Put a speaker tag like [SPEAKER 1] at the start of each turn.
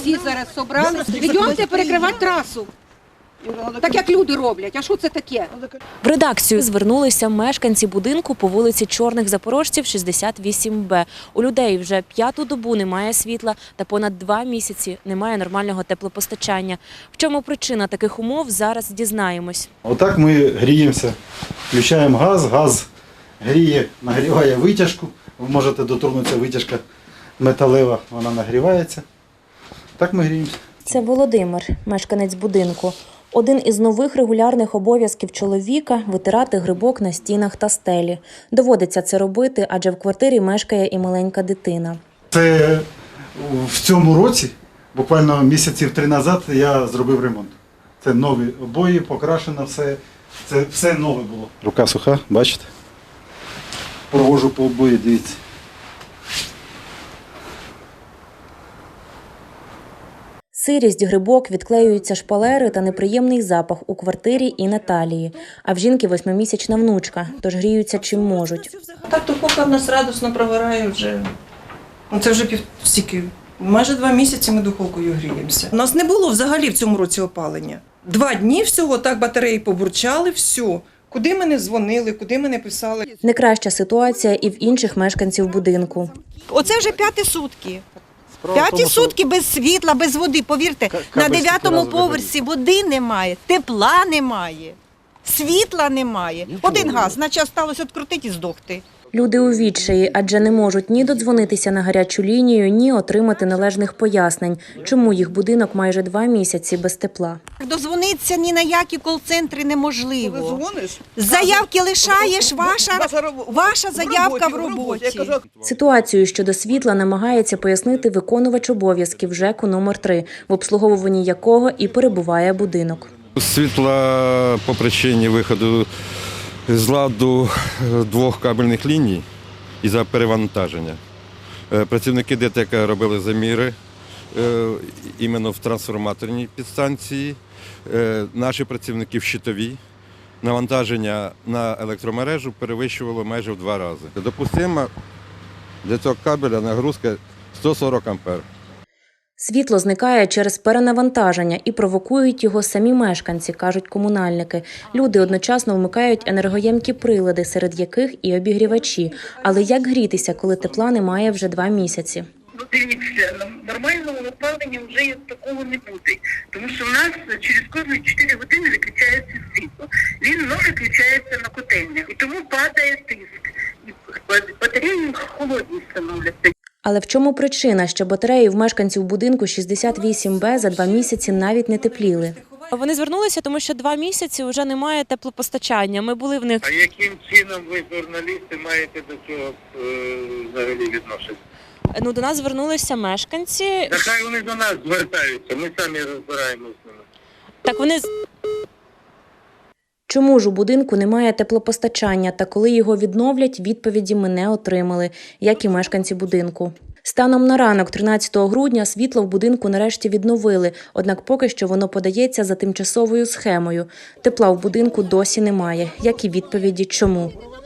[SPEAKER 1] всі зараз зібрали. Йдемте перекривати трасу. Так як люди роблять, а що це таке?
[SPEAKER 2] В редакцію звернулися мешканці будинку по вулиці Чорних Запорожців, 68Б. У людей вже 5-ту добу немає світла та понад 2 місяці немає нормального теплопостачання. В чому причина таких умов, зараз дізнаємось.
[SPEAKER 3] Отак ми гріємося, включаємо газ, газ гріє, нагріває витяжку. Ви можете доторкнутися, витяжка металева, вона нагрівається. Так ми гріємося.
[SPEAKER 2] Це Володимир, мешканець будинку. Один із нових регулярних обов'язків чоловіка – витирати грибок на стінах та стелі. Доводиться це робити, адже в квартирі мешкає і маленька дитина.
[SPEAKER 3] Це в цьому році, буквально місяців 3 назад, я зробив ремонт. Це нові обої, покрашено все. Це все нове було. Рука суха, бачите? Провожу по обої, дивіться.
[SPEAKER 2] Сирість, грибок, відклеюються шпалери та неприємний запах у квартирі і Наталії. А в жінки 8-місячна внучка, тож гріються чим можуть.
[SPEAKER 4] Так духовка в нас радісно прогорає вже. Це вже майже 2 місяці ми духовкою гріємося. У нас не було взагалі в цьому році опалення. 2 дні всього, так батареї побурчали, все. Куди ми не дзвонили, куди ми не писали.
[SPEAKER 2] Не краща ситуація і в інших мешканців будинку.
[SPEAKER 5] Оце вже 5-ті сутки. 5-ті сутки без світла, без води. Повірте, на 9-му поверсі води немає, тепла немає, світла немає. Один газ, наче залишилось відкрутити і здохти.
[SPEAKER 2] Люди у відчаї, адже не можуть ні додзвонитися на гарячу лінію, ні отримати належних пояснень, чому їх будинок майже 2 місяці без тепла.
[SPEAKER 5] Дозвонитися ні на які кол-центри неможливо. Заявки лишаєш, ваша заявка в роботі.
[SPEAKER 2] Ситуацію щодо світла намагається пояснити виконувач обов'язків ЖЕКу номер 3, в обслуговуванні якого і перебуває будинок.
[SPEAKER 6] Світла по причині виходу з ладу 2 кабельних ліній із-за перевантаження. Працівники ДТЕК робили заміри іменно в трансформаторній підстанції. Наші працівники в щитовій. Навантаження на електромережу перевищувало майже в 2 рази. Допустимо для цього кабеля нагрузка 140 ампер.
[SPEAKER 2] Світло зникає через перенавантаження і провокують його самі мешканці, кажуть комунальники. Люди одночасно вмикають енергоємкі прилади, серед яких і обігрівачі. Але як грітися, коли тепла немає вже 2 місяці?
[SPEAKER 7] Дивіться, нормального опалення вже такого не буде, тому що у нас через кожні 4 години виключається світло. Він виключається на котельнях, і тому падає тиск. Батареї холодні становляться.
[SPEAKER 2] Але в чому причина, що батареї в мешканців будинку 68Б за 2 місяці навіть не тепліли? Вони звернулися, тому що 2 місяці вже немає теплопостачання. Ми були в них.
[SPEAKER 8] А яким чином ви, журналісти, маєте до цього взагалі відношення?
[SPEAKER 2] Ну, до нас звернулися мешканці.
[SPEAKER 8] Та хай вони до нас звертаються, ми самі розбираємося з ними.
[SPEAKER 2] Так вони... Чому ж у будинку немає теплопостачання, та коли його відновлять, відповіді ми не отримали, як і мешканці будинку. Станом на ранок 13 грудня світло в будинку нарешті відновили, однак поки що воно подається за тимчасовою схемою. Тепла в будинку досі немає, як і відповіді чому.